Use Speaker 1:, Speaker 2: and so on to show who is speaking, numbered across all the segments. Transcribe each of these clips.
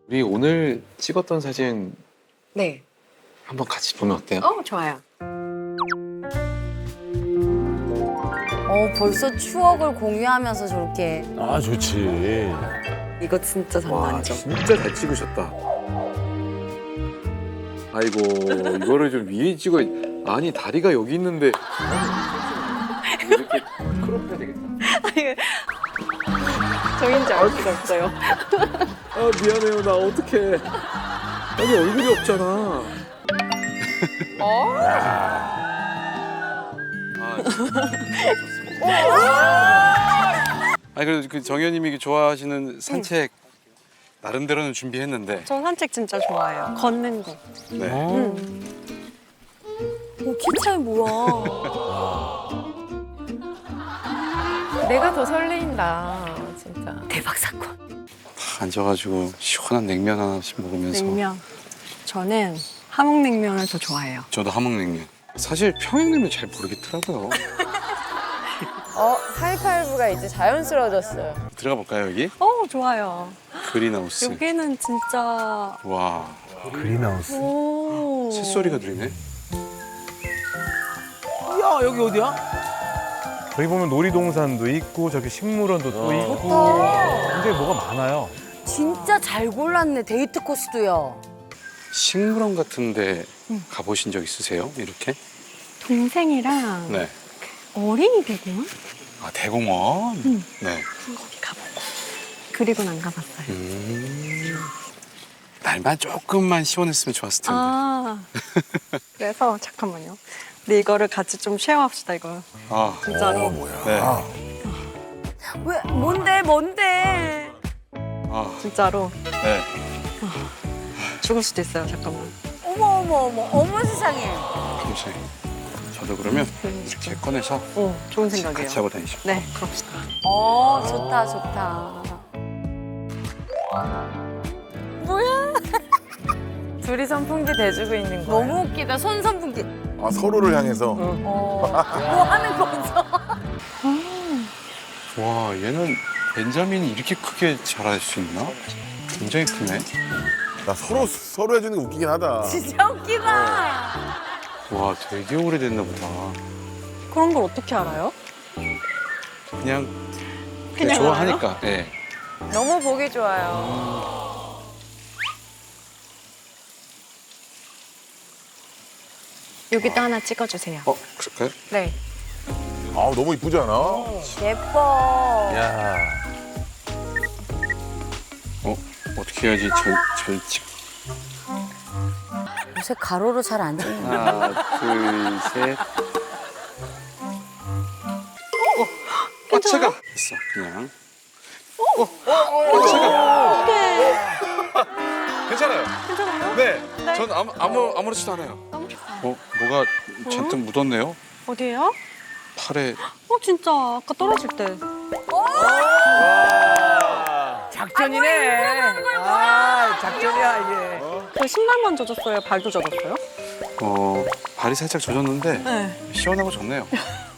Speaker 1: 우리 오늘 찍었던 사진
Speaker 2: 네.
Speaker 1: 한번 같이 보면 어때요?
Speaker 2: 좋아요. 벌써 추억을 공유하면서 저렇게.
Speaker 3: 아, 좋지.
Speaker 2: 이거 진짜
Speaker 1: 와,
Speaker 2: 장난이죠.
Speaker 1: 진짜 잘 찍으셨다. 아이고, 이거를 좀 위에 찍어. 아니, 다리가 여기 있는데. 이렇게 크롭해야 되겠다.
Speaker 2: 저인지 알 수가 없어요.
Speaker 1: 아, 미안해요. 나 어떡해. 아니, 얼굴이 없잖아.
Speaker 4: 아니 그래도 그 정현님이 좋아하시는 산책 나름대로는 준비했는데.
Speaker 5: 저 산책 진짜 좋아해요. 걷는 거.
Speaker 4: 네.
Speaker 2: 키 차이 뭐야.
Speaker 6: 내가 더 설레인다, 진짜.
Speaker 2: 대박 사건.
Speaker 4: 다 앉아가지고 시원한 냉면 하나씩 먹으면서.
Speaker 5: 냉면. 저는 함흥냉면을 더 좋아해요.
Speaker 4: 저도 함흥냉면. 사실 평양냉면 잘 모르겠더라고요.
Speaker 6: 하이파이브가 이제 자연스러워졌어요.
Speaker 4: 들어가 볼까요 여기?
Speaker 5: 좋아요.
Speaker 4: 그린하우스.
Speaker 5: 여기는 진짜.
Speaker 4: 와,
Speaker 3: 그린하우스.
Speaker 5: 오.
Speaker 4: 새소리가 들리네.
Speaker 3: 야, 여기 어디야? 저기 보면 놀이동산도 있고 저기 식물원도 또 있고 굉장히 뭐가 많아요.
Speaker 2: 진짜 잘 골랐네, 데이트 코스도요.
Speaker 4: 식물원 같은데 가보신 적 있으세요? 이렇게?
Speaker 5: 동생이랑
Speaker 4: 네.
Speaker 5: 어린이 대공원?
Speaker 4: 아 대공원. 네.
Speaker 5: 거기 가보고. 그리고는 안 가봤어요.
Speaker 4: 날만 조금만 시원했으면 좋았을 텐데.
Speaker 5: 아. 그래서 잠깐만요. 근데 이거를 같이 좀 쉐어합시다, 이거.
Speaker 4: 아,
Speaker 5: 진짜로.
Speaker 4: 네.
Speaker 2: 왜, 뭔데?
Speaker 4: 아,
Speaker 5: 진짜로.
Speaker 4: 네.
Speaker 5: 죽을 수도 있어요, 잠깐만.
Speaker 2: 어머 세상에.
Speaker 4: 감사해요. 저도 그러면 이렇게 꺼내서
Speaker 5: 좋은 생각이에요.
Speaker 4: 같이 하고 다니시고.
Speaker 5: 네, 그럽시다.
Speaker 2: 좋다.
Speaker 6: 둘이 선풍기 대주고 있는 거야.
Speaker 2: 너무 웃기다, 손선풍기.
Speaker 7: 아, 서로를 향해서.
Speaker 2: 뭐 하는 거죠?
Speaker 4: 와, 얘는 벤자민이 이렇게 크게 자랄 수 있나? 굉장히 크네.
Speaker 7: 나 서로 해주는 게 웃기긴 하다.
Speaker 2: 진짜 웃기다.
Speaker 4: 와, 되게 오래됐나 보다.
Speaker 5: 그런 걸 어떻게 알아요?
Speaker 4: 그냥
Speaker 5: 그냥
Speaker 4: 좋아하니까. 네.
Speaker 6: 너무 보기 좋아요.
Speaker 5: 여기도 하나 찍어주세요.
Speaker 4: 그럴까요?
Speaker 5: 네.
Speaker 7: 아, 너무 이쁘지 않아?
Speaker 2: 예뻐.
Speaker 3: 야.
Speaker 4: 어떻게 해야지 절찍.
Speaker 2: 요새 가로로 잘 안 찍는 거.
Speaker 4: 하나, 둘, 셋. 차가. 있어, 그냥. 차가. 괜찮아요.
Speaker 5: 괜찮아요?
Speaker 4: 네. 전 아무렇지도 않아요. 뭐가 잔뜩 묻었네요.
Speaker 5: 어디에요?
Speaker 4: 팔에.
Speaker 5: 진짜 아까 떨어질 때.
Speaker 3: 작전이네. 아, 작전이야, 이게.
Speaker 5: 그 신발만 젖었어요? 발도 젖었어요?
Speaker 4: 발이 살짝 젖었는데
Speaker 5: 네.
Speaker 4: 시원하고 좋네요.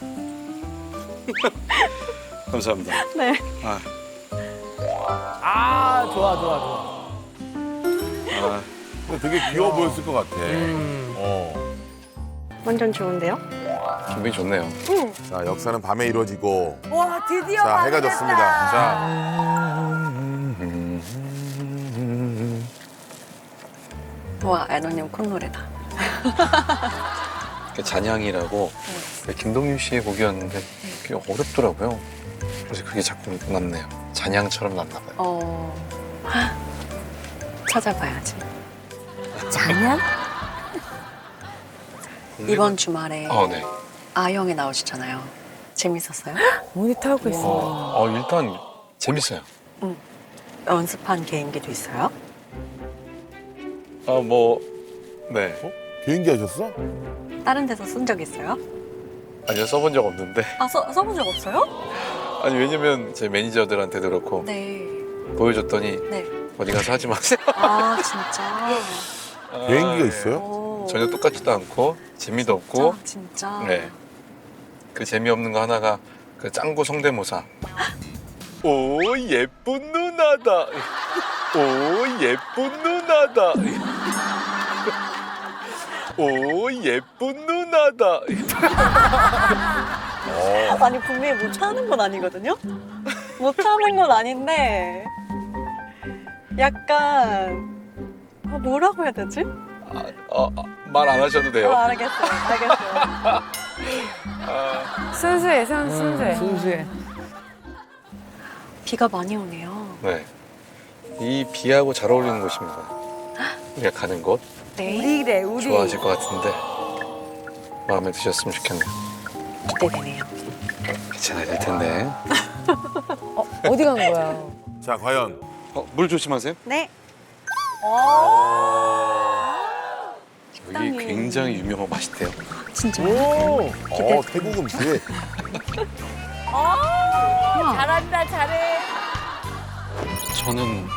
Speaker 4: 감사합니다.
Speaker 5: 네.
Speaker 3: 아, 좋아.
Speaker 7: 근데 되게 귀여워 보였을 것 같아.
Speaker 5: 완전 좋은데요?
Speaker 4: 기분이 좋네요.
Speaker 7: 자, 역사는 밤에 이루어지고.
Speaker 2: 와, 드디어
Speaker 7: 자, 해가
Speaker 2: 밤이 됐다.
Speaker 7: 졌습니다. 자,
Speaker 5: 와, 애너님 콧노래다.
Speaker 1: 잔향이라고 김동률 씨의 곡이었는데 그게 어렵더라고요. 그래서 그게 자꾸 남네요. 잔향처럼 났나 봐요.
Speaker 5: 찾아봐야지.
Speaker 2: 장난?
Speaker 5: 이번 주말에
Speaker 1: 네.
Speaker 5: 아영에 나오시잖아요. 재밌었어요?
Speaker 6: 모니터 하고 있어.
Speaker 1: 일단 재밌어요.
Speaker 5: 연습한 개인기도 있어요?
Speaker 1: 네.
Speaker 7: 비행기 하셨어?
Speaker 5: 다른 데서 쓴 적 있어요?
Speaker 1: 아니요, 써본 적 없는데.
Speaker 5: 써본 적 없어요?
Speaker 1: 아니, 왜냐면 제 매니저들한테도 그렇고
Speaker 5: 네.
Speaker 1: 보여줬더니
Speaker 5: 네.
Speaker 1: 어디 가서 하지 마세요.
Speaker 5: 진짜?
Speaker 7: 비행기가 있어요?
Speaker 5: 오.
Speaker 1: 전혀 똑같지도 않고 재미도 없고.
Speaker 5: 진짜?
Speaker 1: 네. 그 재미없는 거 하나가 그 짱구 성대모사. 오, 예쁜 누나다. 오, 예쁜 누나다. 오, 예쁜 누나다.
Speaker 5: 아니 분명히 못 참는 건 아니거든요. 못 참는 건 아닌데 약간 뭐라고 해야 되지?
Speaker 1: 말 안 하셔도 돼요.
Speaker 5: 알겠어요.
Speaker 6: 순수해, 순수해.
Speaker 2: 순수해.
Speaker 5: 비가 많이 오네요.
Speaker 1: 네. 이 비하고 잘 어울리는 곳입니다. 우리가 가는 곳
Speaker 5: 네.
Speaker 2: 우리래, 우리.
Speaker 1: 좋아하실 것 같은데 마음에 드셨으면 좋겠네요.
Speaker 5: 기대되네요.
Speaker 1: 괜찮아야 될 텐데.
Speaker 6: 어디 간 거야?
Speaker 7: 자, 과연.
Speaker 1: 물 조심하세요.
Speaker 5: 네.
Speaker 1: 여기 굉장히 유명하고 맛있대요.
Speaker 5: 진짜.
Speaker 7: 오, 태국 음식.
Speaker 2: 잘한다, 잘해.
Speaker 1: 저는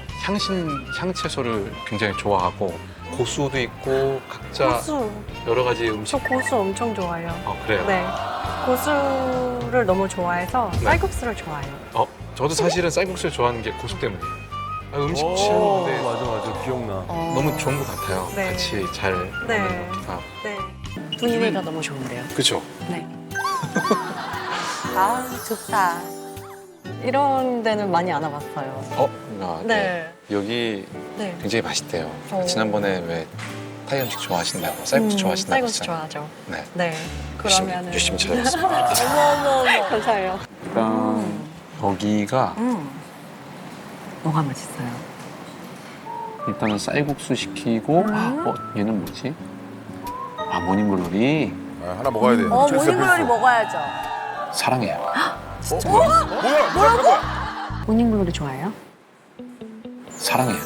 Speaker 1: 향채소를 굉장히 좋아하고 고수도 있고 각자
Speaker 5: 고수.
Speaker 1: 여러 가지 음식.
Speaker 5: 저 고수 엄청 좋아해요.
Speaker 1: 그래요?
Speaker 5: 네. 고수를 너무 좋아해서
Speaker 1: 네.
Speaker 5: 쌀국수를 좋아해요.
Speaker 1: 저도 사실은 쌀국수를 좋아하는 게 고수 때문이에요. 음식
Speaker 3: 오,
Speaker 1: 취하는데
Speaker 3: 맞아. 기억나.
Speaker 1: 너무 좋은 것 같아요.
Speaker 5: 네.
Speaker 1: 같이 잘
Speaker 5: 네.
Speaker 1: 먹는 것.
Speaker 5: 네. 분위기가 너무 좋은데요.
Speaker 1: 그렇죠.
Speaker 5: 네.
Speaker 2: 아, 좋다.
Speaker 5: 이런 데는 많이 안 와봤어요.
Speaker 1: 네. 여기
Speaker 5: 네.
Speaker 1: 굉장히 맛있대요.
Speaker 5: 오.
Speaker 1: 지난번에 왜 타이 음식 좋아하신다고 쌀국수 좋아하신다고
Speaker 5: 쌀국수
Speaker 1: 했잖아요.
Speaker 5: 좋아하죠.
Speaker 1: 네.
Speaker 5: 네. 그러면은
Speaker 1: 열심히 찾아봤습니다.
Speaker 5: 감사해요.
Speaker 1: 일단 여기가
Speaker 5: 뭐가 맛있어요?
Speaker 1: 일단은 쌀국수 시키고 얘는 뭐지? 모닝글로리
Speaker 7: 하나 먹어야 돼. 필수야,
Speaker 2: 모닝글로리
Speaker 7: 필수.
Speaker 2: 먹어야죠.
Speaker 1: 사랑해요.
Speaker 7: 뭐야?
Speaker 5: 모닝글로리 좋아해요?
Speaker 1: 사랑해요.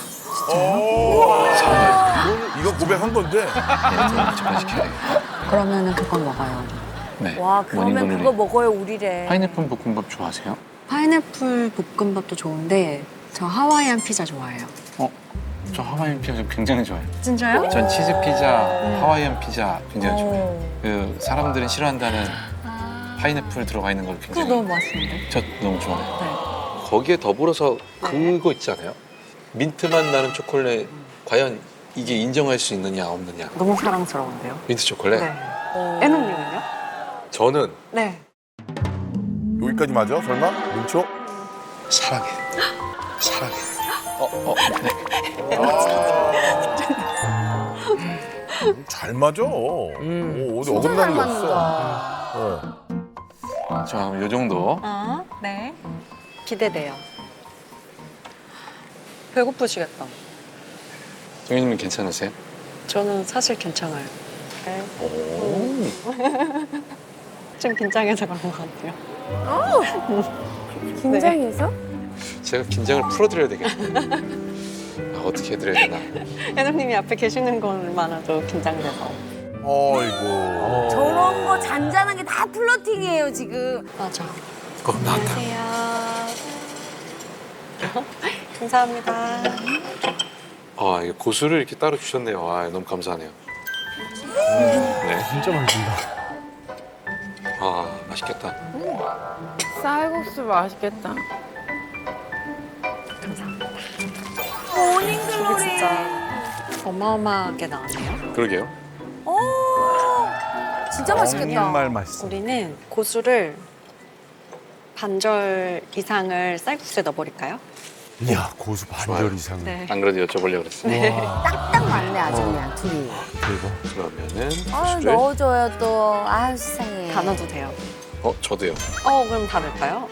Speaker 7: 이거 고백한 건데.
Speaker 1: 네, 저거 시켜야 되겠다.
Speaker 5: 그러면은 그건 먹어요.
Speaker 1: 네.
Speaker 2: 와, 그러면
Speaker 1: 모닝글로리.
Speaker 2: 그거 먹어요, 우리래.
Speaker 1: 파인애플 볶음밥 좋아하세요?
Speaker 5: 파인애플 볶음밥도 좋은데 저 하와이안 피자 좋아해요.
Speaker 1: 저 하와이안 피자 굉장히 좋아해요.
Speaker 5: 진짜요?
Speaker 1: 전 치즈 피자, 하와이안 피자 굉장히 좋아해요. 그 사람들은 싫어한다는 파인애플 들어가 있는 걸
Speaker 5: 그거
Speaker 1: 굉장히
Speaker 5: 너무 맛있는데?
Speaker 1: 저 너무 좋아해요.
Speaker 5: 네.
Speaker 1: 거기에 더불어서 그거 있지 않아요? 민트맛 나는 초콜릿 과연 이게 인정할 수 있느냐 없느냐.
Speaker 5: 너무 사랑스러운데요?
Speaker 1: 민트 초콜릿?
Speaker 5: 네. 애농님은요?
Speaker 1: 저는
Speaker 5: 네.
Speaker 7: 여기까지 맞아? 설마? 민초?
Speaker 1: 사랑해. 사랑해. 네.
Speaker 7: 잘 맞아. 어디 어긋나는 게 없어.
Speaker 1: 자, 요 정도.
Speaker 5: 네. 기대돼요. 배고프시겠다.
Speaker 1: 정현님은 괜찮으세요?
Speaker 5: 저는 사실 괜찮아요. 네.
Speaker 1: 오.
Speaker 5: 좀 긴장해서 그런 것 같아요.
Speaker 6: 긴장해서?
Speaker 1: 제가 긴장을 풀어드려야 되겠네. 어떻게 해드려야 되나.
Speaker 5: 애농님이 앞에 계시는 것만으로도 긴장돼서.
Speaker 7: 어이구.
Speaker 2: 저런 거 잔잔한 게 다 플러팅이에요, 지금.
Speaker 5: 맞아.
Speaker 1: 나왔다.
Speaker 5: 안녕하세요. 감사합니다.
Speaker 1: 이거 고수를 이렇게 따로 주셨네요. 너무 감사하네요. 네.
Speaker 3: 진짜 맛있다.
Speaker 1: 맛있겠다.
Speaker 6: 쌀국수 맛있겠다.
Speaker 2: 모닝글로리.
Speaker 5: 진짜 어마어마하게 나왔네요.
Speaker 1: 그러게요.
Speaker 2: 진짜 맛있겠다.
Speaker 3: 정말 맛있어.
Speaker 5: 우리는 고수를 반절 이상을 쌀국수에 넣어버릴까요?
Speaker 3: 이야, 고수 반절 이상.
Speaker 5: 네.
Speaker 1: 안 그래도 여쭤보려고 그랬어요.
Speaker 2: 딱 맞네, 아주 그냥 둘이.
Speaker 3: 대박.
Speaker 1: 그러면은
Speaker 2: 아,
Speaker 1: 고수를.
Speaker 2: 넣어줘요, 또. 아유, 세상에.
Speaker 5: 다 넣어도 돼요.
Speaker 1: 저도요.
Speaker 5: 그럼 다 넣을까요?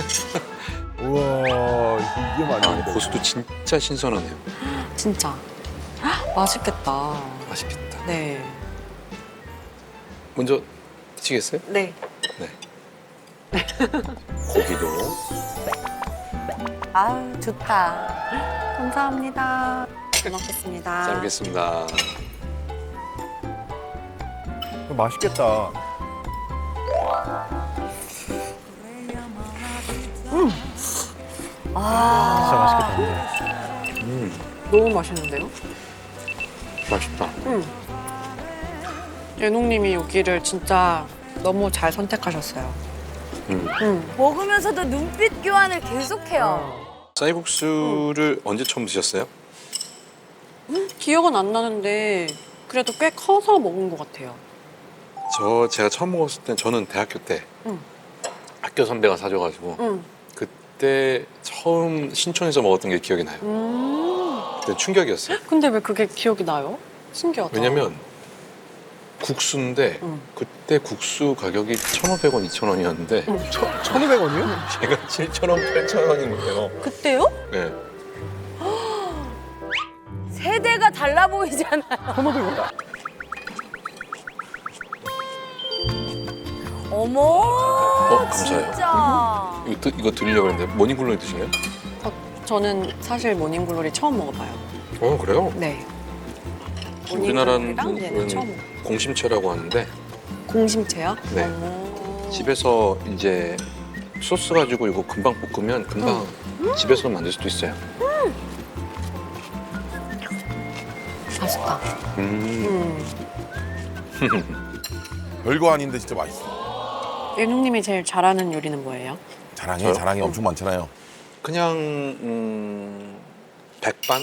Speaker 7: 우와, 이게 많이.
Speaker 1: 고수도 진짜 신선하네요.
Speaker 5: 진짜. 맛있겠다.
Speaker 1: 맛있겠다.
Speaker 5: 네.
Speaker 1: 먼저 드시겠어요?
Speaker 5: 네.
Speaker 1: 네. 고기도.
Speaker 2: 아유, 좋다.
Speaker 5: 감사합니다. 잘 먹겠습니다.
Speaker 1: 잘 먹겠습니다.
Speaker 3: 맛있겠다. 진짜 맛있겠다.
Speaker 5: 너무 맛있는데요?
Speaker 1: 맛있다.
Speaker 5: 예농님이 여기를 진짜 너무 잘 선택하셨어요.
Speaker 2: 먹으면서도 눈빛 교환을 계속해요.
Speaker 1: 쌀국수를 언제 처음 드셨어요?
Speaker 5: 기억은 안 나는데 그래도 꽤 커서 먹은 것 같아요.
Speaker 1: 제가 처음 먹었을 때 저는 대학교 때
Speaker 5: 응.
Speaker 1: 학교 선배가 사줘가지고
Speaker 5: 응.
Speaker 1: 그때 처음 신촌에서 먹었던 게 기억이 나요. 그때 충격이었어요.
Speaker 5: 근데 왜 그게 기억이 나요? 신기하다.
Speaker 1: 왜냐면 국수인데
Speaker 5: 응.
Speaker 1: 그때 국수 가격이 1,500원, 2,000원이었는데
Speaker 3: 1,500원이요?
Speaker 1: 제가 7,000원, 8,000원인 거예요.
Speaker 5: 그때요?
Speaker 1: 네.
Speaker 2: 세대가 달라 보이잖아요.
Speaker 3: 1,500원.
Speaker 2: 어머.
Speaker 1: 감사해요.
Speaker 2: 진짜.
Speaker 1: 이거 드리려고 했는데 모닝글로리 드시나요?
Speaker 5: 저는 사실 모닝글로리 처음 먹어봐요.
Speaker 1: 그래요?
Speaker 5: 네.
Speaker 1: 우리나라는
Speaker 5: 모닝글로리랑 얘는 처음 먹어요.
Speaker 1: 공심채라고 하는데
Speaker 5: 공심채요?
Speaker 1: 네.
Speaker 5: 오.
Speaker 1: 집에서 이제 소스 가지고 이거 금방 볶으면 금방 집에서 만들 수도 있어요.
Speaker 5: 맛있다.
Speaker 7: 별거 아닌데 진짜 맛있어.
Speaker 5: 예능님이 제일 잘하는 요리는 뭐예요?
Speaker 7: 자랑해,
Speaker 1: 저요?
Speaker 7: 자랑이 엄청 많잖아요.
Speaker 1: 그냥 백반?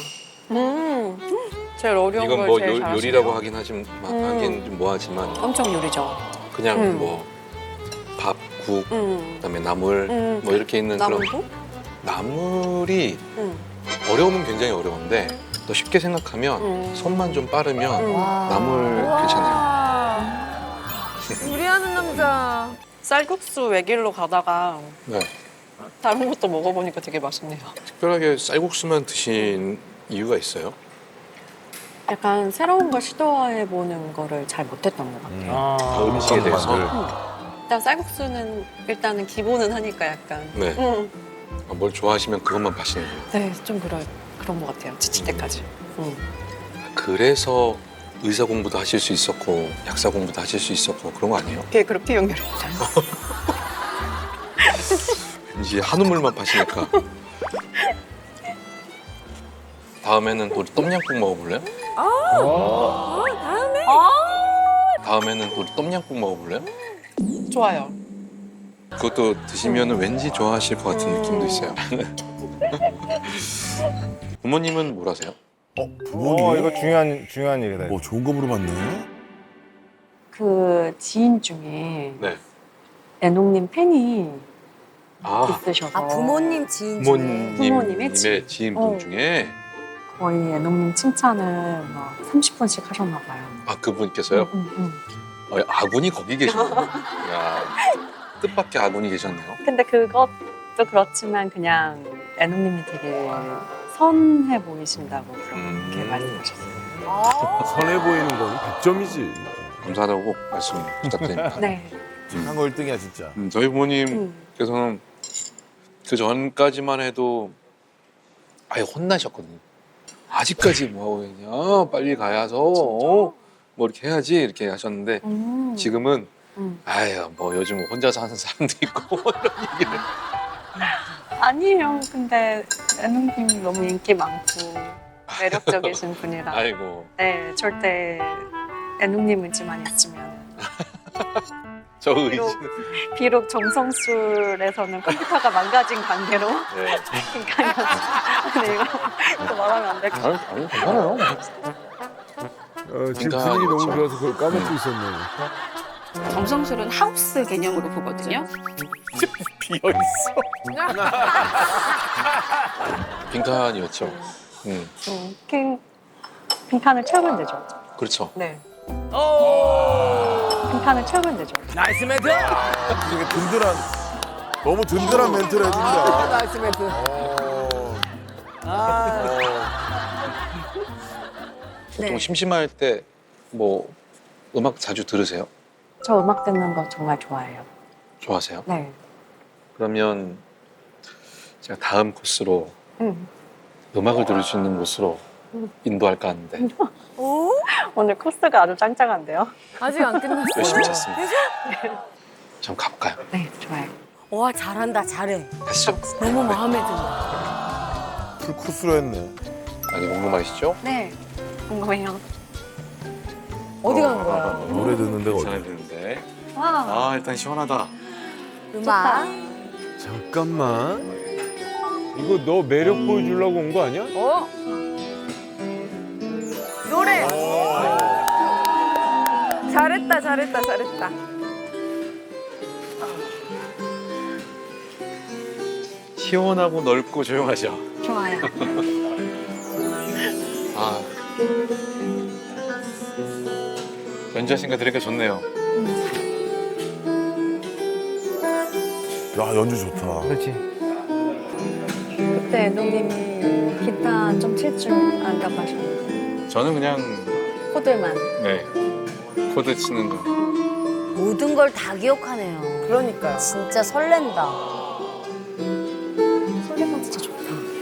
Speaker 5: 제일 어려운
Speaker 1: 이건
Speaker 5: 걸
Speaker 1: 뭐
Speaker 5: 제일 잘하시네요.
Speaker 1: 요리라고 하긴 하긴 좀 뭐하지만
Speaker 5: 엄청 요리죠.
Speaker 1: 그냥 뭐 밥, 국, 그다음에 나물 뭐 이렇게 있는
Speaker 5: 나물도?
Speaker 1: 그런 나물이 어려우면 굉장히 어려운데 또 쉽게 생각하면 손만 좀 빠르면 나물 괜찮아요.
Speaker 6: 요리하는 남자.
Speaker 5: 쌀국수 외길로 가다가
Speaker 1: 네.
Speaker 5: 다른 것도 먹어보니까 되게 맛있네요.
Speaker 1: 특별하게 쌀국수만 드신 이유가 있어요?
Speaker 5: 약간 새로운 걸 시도해보는 거를 잘 못했던 것 같아요.
Speaker 1: 음식에 대해서?
Speaker 5: 일단 쌀국수는 일단은 기본은 하니까 약간
Speaker 1: 네. 뭘 좋아하시면 그것만 파시는 거예요.
Speaker 5: 네, 좀 그런 것 같아요. 지칠 때까지.
Speaker 1: 그래서 의사 공부도 하실 수 있었고 약사 공부도 하실 수 있었고 그런 거 아니에요?
Speaker 5: 그게 그렇게 연결했어요.
Speaker 1: 왠지 한우물만 파시니까. 다음에는 우리 똠양꿍 먹어볼래요? 다음에는 우리 똠양꿍 먹어볼래요?
Speaker 5: 좋아요.
Speaker 1: 그것도 드시면 왠지 좋아하실 것 같은 느낌도 있어요. 부모님은 뭘 하세요?
Speaker 7: 부모님?
Speaker 3: 이거 중요한 일이다.
Speaker 7: 뭐 좋은 거 물어봤네.
Speaker 5: 그 지인 중에
Speaker 1: 네.
Speaker 5: 애농님 팬이
Speaker 1: 아,
Speaker 5: 있으셔서
Speaker 2: 아 부모님 지인 중에.
Speaker 5: 부모님의 지인.
Speaker 1: 지인분 중에
Speaker 5: 거의 애농님 칭찬을 막 30분씩 하셨나 봐요.
Speaker 1: 아 그분께서요? 아군이 거기 계셨네요. 야, 뜻밖의 아군이 계셨네요.
Speaker 5: 근데 그것도 그렇지만 그냥 애농님이 되게 선해 보이신다고 그렇게 말씀하셨어요.
Speaker 3: 선해 보이는 건 100점이지.
Speaker 1: 감사하다고 꼭 말씀 부탁드립니다.
Speaker 5: 네.
Speaker 7: 한 거 1등이야 진짜.
Speaker 1: 저희 부모님께서는 그 전까지만 해도 아예 혼나셨거든요. 아직까지 뭐 하고 있냐? 빨리 가야서 뭐 이렇게 해야지 이렇게 하셨는데 지금은 아유 뭐 요즘 혼자서 하는 사람도 있고 이런 얘기를.
Speaker 5: 아니에요. 근데 애농님 너무 인기 많고 매력적이신 분이라.
Speaker 1: 아이고
Speaker 5: 네, 절대 애농님 의지만 있으면
Speaker 1: 저 의지.
Speaker 5: 비록 정성술에서는 컴퓨터가 망가진 관계로
Speaker 1: 네.
Speaker 5: 근데 이거 또 말하면 안 될 것 같아요.
Speaker 1: 아니 괜찮아요.
Speaker 3: 지금
Speaker 1: 그러니까
Speaker 3: 분위기 너무
Speaker 1: 그렇죠.
Speaker 3: 좋아서 그걸 까먹고 있었네.
Speaker 8: 정성술은 하우스 개념으로 보거든요.
Speaker 1: 빈칸이었죠.
Speaker 5: 빈칸을 채우면 되죠.
Speaker 1: 그렇죠.
Speaker 5: 네. 빈칸을 채우면 되죠.
Speaker 3: 나이스 멘트!
Speaker 7: 되게 든든한, 너무 든든한 멘트를 해준다.
Speaker 6: 나이스 멘트.
Speaker 1: 보통 심심할 때 뭐 음악 자주 들으세요?
Speaker 5: 저 음악 듣는 거 정말 좋아해요.
Speaker 1: 좋아하세요?
Speaker 5: 네.
Speaker 1: 그러면 제가 다음 코스로 음악을 들을 수 있는 곳으로 인도할까 하는데
Speaker 5: 오늘 코스가 아주 짱짱한데요?
Speaker 6: 아직 안 끝났어요.
Speaker 1: 열심히 잤습니다. 좀 가볼까요?
Speaker 5: 네, 좋아요.
Speaker 2: 와 잘한다 잘해.
Speaker 1: 가시죠.
Speaker 2: 너무 마음에 든다.
Speaker 7: 풀코스로 했네.
Speaker 1: 많이 궁금하시죠?
Speaker 5: 네, 궁금해요.
Speaker 6: 어디 간 거야?
Speaker 7: 노래 듣는 데가
Speaker 1: 괜찮아야
Speaker 7: 어디?
Speaker 1: 되는데.
Speaker 5: 와,
Speaker 1: 아 일단 시원하다.
Speaker 2: 음악.
Speaker 3: 잠깐만. 이거 너 매력 보여주려고 온 거 아니야?
Speaker 6: 어? 노래. 잘했다, 잘했다, 잘했다.
Speaker 1: 시원하고 넓고 조용하죠.
Speaker 5: 좋아요.
Speaker 1: 아, 연주하신 거 들으니까 좋네요.
Speaker 7: 야 연주 좋다.
Speaker 3: 그렇지.
Speaker 5: 그때 애동님이 기타 좀 칠 줄 안다고 하셨는데
Speaker 1: 저는 그냥
Speaker 5: 코드만.
Speaker 1: 네 코드 치는 거.
Speaker 2: 모든 걸 다 기억하네요.
Speaker 6: 그러니까요.
Speaker 2: 진짜 설렌다.
Speaker 5: 소리가 진짜 좋다.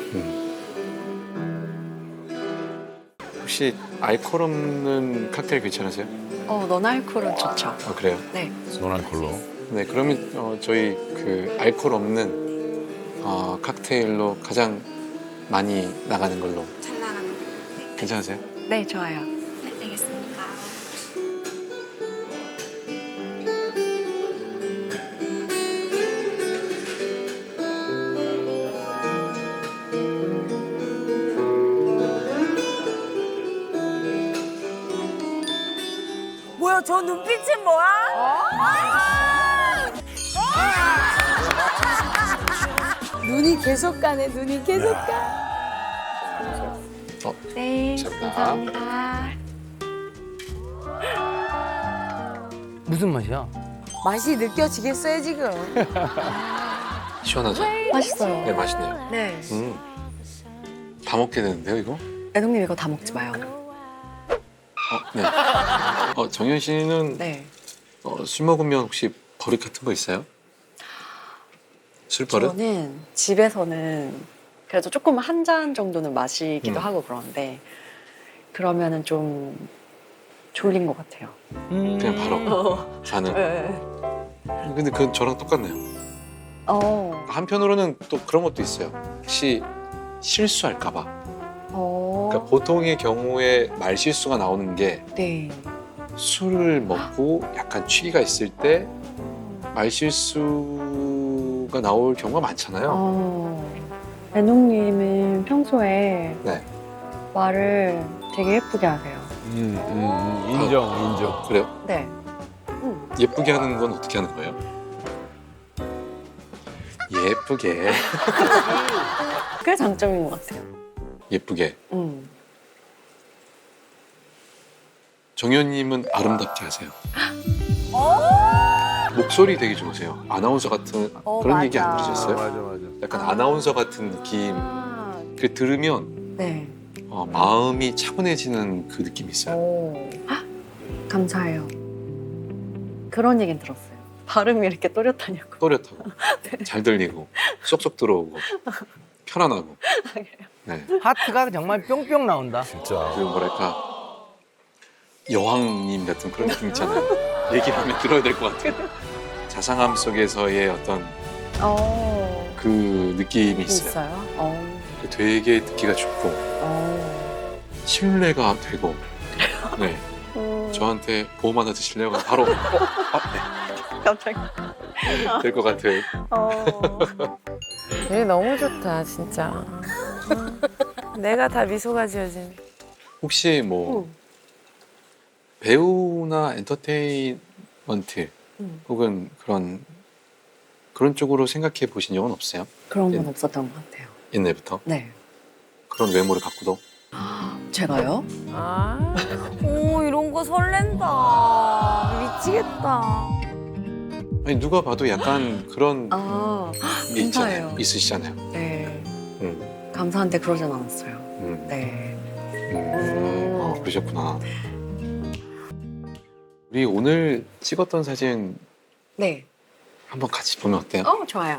Speaker 1: 혹시 알코올 없는 칵테일 괜찮으세요?
Speaker 5: 너날콜은 좋죠.
Speaker 1: 아 그래요?
Speaker 5: 네.
Speaker 7: 노날콜로.
Speaker 1: 네 그러면 저희 그 알코올 없는 칵테일로 가장 많이 나가는 걸로. 괜찮으세요?
Speaker 5: 네, 좋아요.
Speaker 2: 뭐야, 저 눈빛은 뭐야? 눈이 계속 가네, 눈이 계속 가.
Speaker 5: 네,
Speaker 1: 감사합니다.
Speaker 5: 감사합니다.
Speaker 9: 무슨 맛이야?
Speaker 2: 맛이 느껴지겠어요, 지금?
Speaker 1: 시원하죠?
Speaker 5: 맛있어요.
Speaker 1: 네 맛있네요.
Speaker 5: 네.
Speaker 1: 다 먹게 되는데요 이거?
Speaker 5: 애동님 이거 다 먹지 마요.
Speaker 1: 네. 정현 씨는
Speaker 5: 네.
Speaker 1: 술 먹으면 혹시 버릇 같은 거 있어요? 술 버릇?
Speaker 5: 저는 집에서는 그래도 조금 한 잔 정도는 마시기도 하고 그러는데 그러면은 좀 졸린 것 같아요.
Speaker 1: 그냥 바로 자는.
Speaker 5: 네.
Speaker 1: 근데 그건 저랑 똑같네요. 한편으로는 또 그런 것도 있어요. 혹시 실수할까봐. 그러니까 보통의 경우에 말 실수가 나오는 게
Speaker 5: 네.
Speaker 1: 술을 먹고 약간 취기가 있을 때 말 실수가 나올 경우가 많잖아요.
Speaker 5: 애농님은 평소에
Speaker 1: 네.
Speaker 5: 말을 되게 예쁘게 하세요.
Speaker 3: 인정.
Speaker 1: 그래요?
Speaker 5: 네.
Speaker 1: 예쁘게 하는 건 어떻게 하는 거예요? 예쁘게.
Speaker 5: 그게 장점인 것 같아요.
Speaker 1: 예쁘게. 정현님은 아름답게 하세요. 목소리 되게 좋으세요. 아나운서 같은 그런 얘기 안
Speaker 2: 맞아.
Speaker 1: 들으셨어요?
Speaker 7: 맞아.
Speaker 1: 약간 아나운서 같은 느낌. 그 들으면
Speaker 5: 네.
Speaker 1: 마음이 차분해지는 그 느낌이 있어요.
Speaker 5: 감사해요. 그런 얘기는 들었어요. 발음이 이렇게 또렷하냐고.
Speaker 1: 또렷하고 잘 들리고 쏙쏙 들어오고 편안하고. 네.
Speaker 9: 하트가 정말 뿅뿅 나온다.
Speaker 7: 진짜.
Speaker 1: 그리고 뭐랄까 여왕님 같은 그런 느낌 있잖아요. 얘기를 하면 들어야 될 것 같아요. 자상함 속에서의 어떤 그 느낌이 있어요. 되게 듣기가 좋고 신뢰가 되고. 네. 저한테 보험 하나 드실래요? 그럼 바로 네.
Speaker 5: 갑자기.
Speaker 1: 될 것 같아요.
Speaker 6: 얘 너무 좋다, 진짜. 내가 다 미소가 지어진.
Speaker 1: 혹시 뭐 배우나 엔터테인먼트 혹은 그런 쪽으로 생각해 보신 적은 없어요?
Speaker 5: 그런 건 없었던 것 같아요.
Speaker 1: 옛날부터?
Speaker 5: 네.
Speaker 1: 그런 외모를 갖고도?
Speaker 5: 제가요?
Speaker 2: 오, 이런 거 설렌다. 미치겠다.
Speaker 1: 아니 누가 봐도 약간 그런 게 있잖아요.
Speaker 5: 감사해요.
Speaker 1: 있으시잖아요.
Speaker 5: 네.
Speaker 1: 음.
Speaker 5: 감사한데 그러진 않았어요. 네.
Speaker 1: 그러셨구나. 우리 오늘 찍었던 사진
Speaker 5: 네.
Speaker 1: 한번 같이 보면 어때요?
Speaker 5: 좋아요.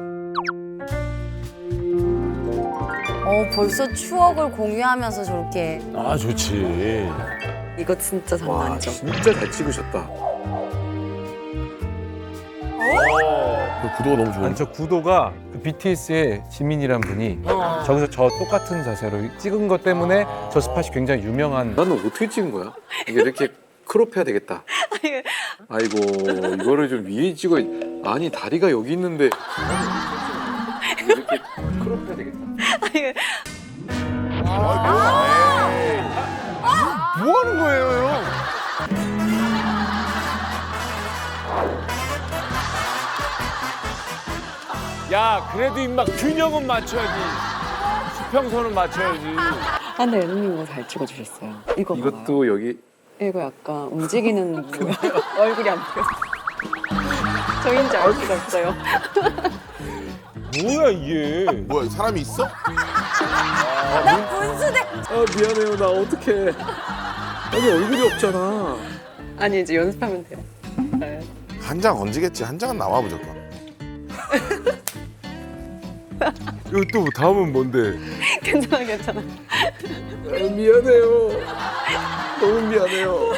Speaker 2: 벌써 추억을 공유하면서 저렇게.
Speaker 7: 아 좋지.
Speaker 5: 이거 진짜 장난 아니죠?
Speaker 1: 진짜 잘 찍으셨다.
Speaker 7: 그 구도가 너무 좋은데.
Speaker 3: 아니 저 구도가 그 BTS의 지민이란 분이 저기서 저 똑같은 자세로 찍은 것 때문에 저 스팟이 굉장히 유명한.
Speaker 1: 나는 어떻게 찍은 거야? 이게 이렇게 크롭해야 되겠다. 아이고 이거를 좀 위에 찍어. 아니 다리가 여기 있는데 이렇게 크롭해야 되겠다.
Speaker 3: 뭐 하는 거예요, 형?
Speaker 10: 야, 그래도 임마 균형은 맞춰야지. 수평선은 맞춰야지.
Speaker 5: 아, 근데 예능님 이거 잘 찍어주셨어요. 이거 봐봐요.
Speaker 1: 이것도 여기
Speaker 5: 이거 약간 움직이는 뭐야? 얼굴이 안 보여. 저인지 알 수가 없어요.
Speaker 10: 뭐야 이게?
Speaker 7: 뭐야 사람이 있어?
Speaker 2: 나 분수대.
Speaker 1: 아 미안해요 나 어떡해. 아니 얼굴이 없잖아.
Speaker 5: 아니 이제 연습하면 돼요. 네.
Speaker 7: 한 장 얹으겠지. 한 장은 나와 무조건.
Speaker 3: 이거 또 다음은 뭔데?
Speaker 5: 괜찮아 괜찮아.
Speaker 1: 아, 미안해요. 너무 미안해요.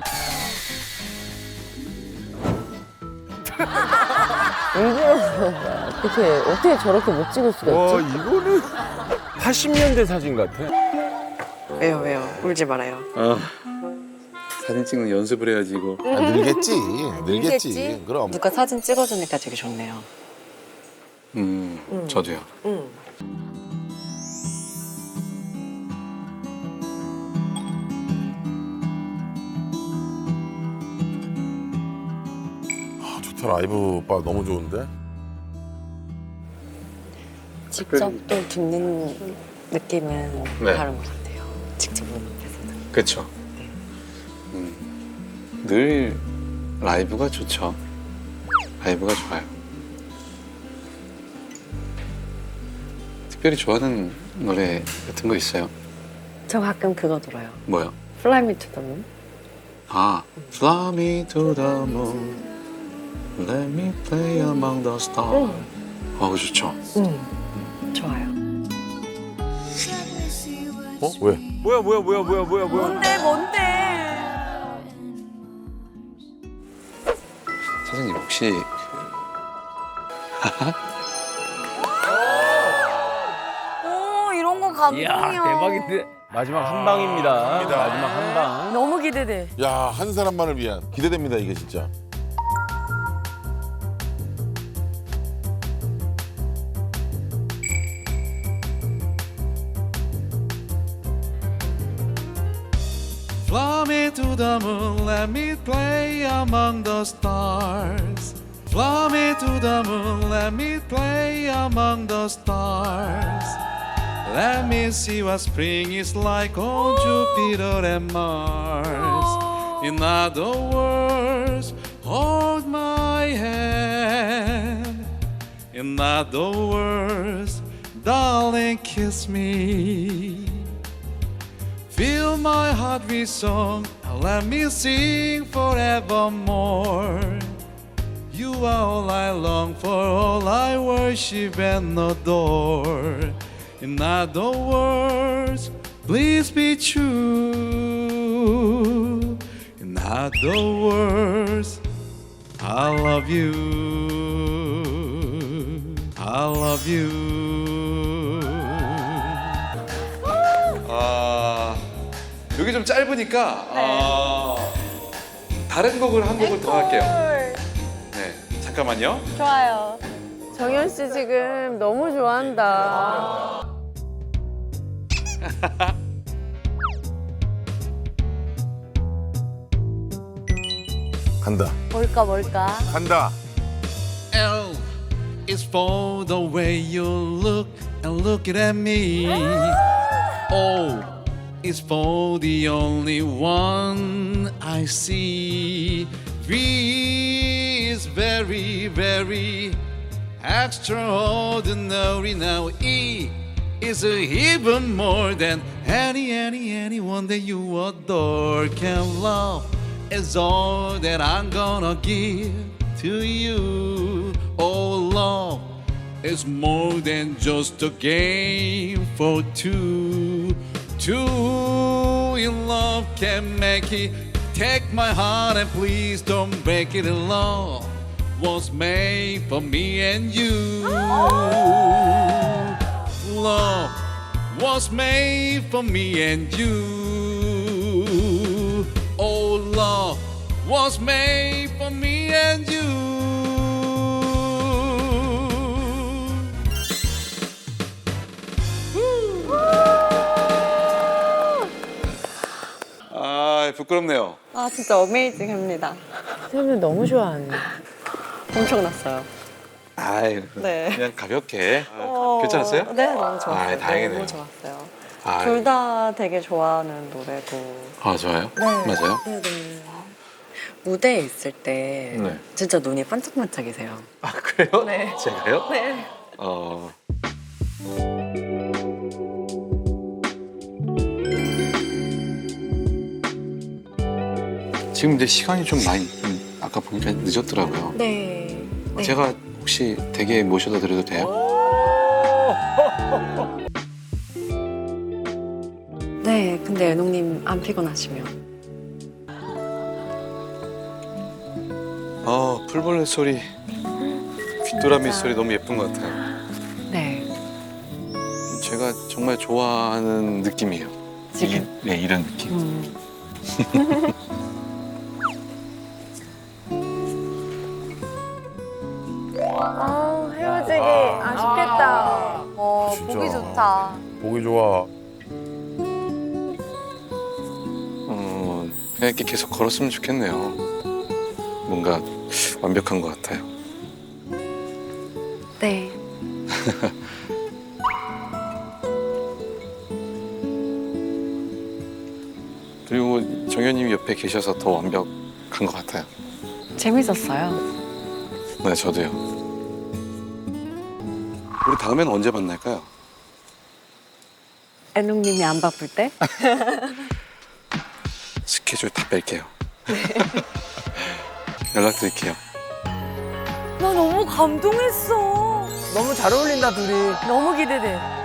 Speaker 6: 어떻게 저렇게 못 찍을 수가
Speaker 10: 와 이거는 80년대 사진 같아.
Speaker 5: 왜요? 울지 말아요.
Speaker 1: 아 사진 찍는 연습을 해야지 이거.
Speaker 7: 아, 늘겠지.
Speaker 2: 늘겠지.
Speaker 7: 늘겠지. 그럼.
Speaker 5: 누가 사진 찍어주니까 되게 좋네요.
Speaker 1: 저도요.
Speaker 7: 아, 좋다. 라이브 오빠 너무 좋은데.
Speaker 5: 직접 또 듣는 느낌은
Speaker 1: 네.
Speaker 5: 다른 것 같아요. 직접 보는 데서는.
Speaker 1: 그렇죠. 늘 라이브가 좋죠. 라이브가 좋아요. 특별히 좋아하는 노래 같은 거 있어요?
Speaker 5: 저 가끔 그거 들어요.
Speaker 1: 뭐요?
Speaker 5: Fly Me to the Moon.
Speaker 1: 아, Fly me to the moon, let me play among the stars. 아, 좋죠.
Speaker 5: 좋아요.
Speaker 7: 어? 왜?
Speaker 10: 뭐야?
Speaker 2: 뭔데?
Speaker 1: 사장님 혹시
Speaker 2: 오, 이런 거 감동이야.
Speaker 9: 이야 대박인데.
Speaker 10: 마지막 한 방입니다. 마지막 한 방.
Speaker 2: 너무 기대돼.
Speaker 7: 야, 한 사람만을 위한 기대됩니다 이게 진짜.
Speaker 1: Fly me to the moon, let me play among the stars. Fly me to the moon, let me play among the stars. Let me see what spring is like on Jupiter and Mars. In other words, hold my hand. In other words, darling, kiss me. Fill my heart with song, and let me sing forevermore. You are all I long for, all I worship and adore. In other words, please be true. In other words, I love you. I love you. 여기 좀 짧으니까 다른 곡을 한 곡을 더 할게요. 네, 잠깐만요.
Speaker 6: 좋아요. 정현 씨 지금 너무 좋아한다.
Speaker 7: 간다.
Speaker 2: 뭘까?
Speaker 7: 간다.
Speaker 1: L is for the way you look and look at me. O is for the only one I see. V is very, very extraordinary. Now E is even more than anyone that you adore can love. Is all that I'm gonna give to you. Oh, love is more than just a game for two. Two in love can make it. Take my heart and please don't break it. Love was made for me and you. Love was made for me and you. Oh, love was made for me and you. Woo! 부끄럽네요.
Speaker 5: 아 진짜 어메이징합니다.
Speaker 6: 사람들 너무 좋아하네.
Speaker 5: 엄청났어요.
Speaker 1: 아이,
Speaker 5: 네.
Speaker 1: 그냥 가볍게. 괜찮았어요?
Speaker 5: 네, 너무 좋았어요.
Speaker 1: 아, 다행이네요.
Speaker 5: 너무 좋았어요.
Speaker 1: 아,
Speaker 5: 둘 다 되게 좋아하는 노래고.
Speaker 1: 아 좋아요?
Speaker 5: 네.
Speaker 1: 맞아요?
Speaker 5: 네네. 무대에 있을 때
Speaker 1: 네.
Speaker 5: 진짜 눈이 반짝반짝이세요.
Speaker 1: 아 그래요?
Speaker 5: 네.
Speaker 1: 제가요?
Speaker 5: 네.
Speaker 1: 지금 근데 시간이 좀 많이 아까 보니까 늦었더라고요.
Speaker 5: 네. 네.
Speaker 1: 제가 혹시 댁에 모셔다 드려도 돼요?
Speaker 5: 네, 근데 애농님 안 피곤하시면.
Speaker 1: 풀벌레 소리, 귀뚜라미 소리 너무 예쁜 것 같아요.
Speaker 5: 네.
Speaker 1: 제가 정말 좋아하는 느낌이에요.
Speaker 5: 지금?
Speaker 1: 네, 이런 느낌.
Speaker 6: 헤어지기 아쉽겠다.
Speaker 7: 진짜.
Speaker 2: 보기 좋다.
Speaker 7: 보기 좋아.
Speaker 1: 그냥 이렇게 계속 걸었으면 좋겠네요. 뭔가 완벽한 것 같아요.
Speaker 5: 네.
Speaker 1: 그리고 정현님이 옆에 계셔서 더 완벽한 것 같아요.
Speaker 5: 재밌었어요.
Speaker 1: 네, 저도요. 우리 다음엔 언제 만날까요?
Speaker 5: 애농님이 안 바쁠 때?
Speaker 1: 스케줄 다 뺄게요. 연락드릴게요.
Speaker 2: 나 너무 감동했어.
Speaker 9: 너무 잘 어울린다 둘이.
Speaker 6: 너무 기대돼.